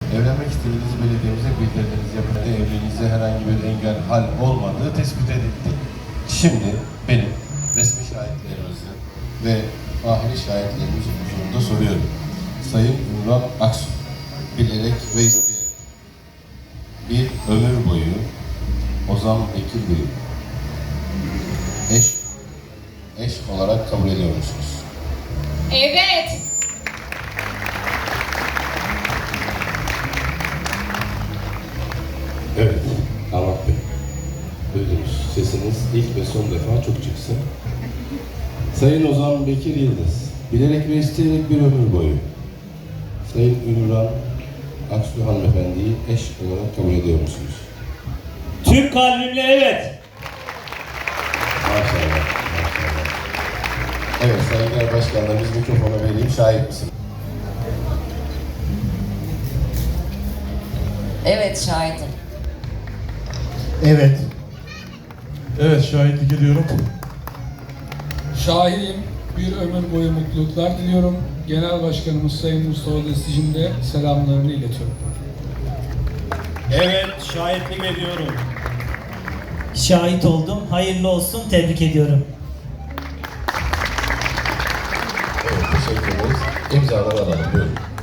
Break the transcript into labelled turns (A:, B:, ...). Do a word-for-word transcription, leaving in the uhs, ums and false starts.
A: Evlenmek istediğiniz belediyemize bildirdiğiniz yapıda evliliğinize herhangi bir engel hal olmadığı tespit edildi. Şimdi benim resmi şahitlerimizin ve ahiri şahitlerimiz huzurunda soruyorum. Sayın Ümran Aksu, bilerek ve isteyerek bir ömür boyu Ozan Bekir Bey'i eş, eş olarak kabul ediyor musunuz?
B: Evet.
A: Evet, Ahmet Bey. Duydunuz. Sesiniz ilk ve son defa çok çıksın. Sayın Ozan Bekir Yıldız, bilerek ve isteyerek bir ömür boyu Sayın Ümran Aksu hanımefendiyi eş olarak kabul ediyor musunuz?
C: Tüm kalbimle evet.
A: Maşallah, maşallah. Evet, Sayın Genel Başkan'la biz mikrofona vereyim, şahit misin?
D: Evet, şahidim.
E: Evet.
F: Evet, şahitlik ediyorum.
G: Şahidim. Bir ömür boyu mutluluklar diliyorum. Genel Başkanımız Sayın Mustafa Destici'nin de selamlarını iletiyorum.
C: Evet, şahitlik ediyorum.
E: Şahit oldum. Hayırlı olsun. Tebrik ediyorum.
A: Evet, teşekkür ederiz. İmzaları alalım, buyurun.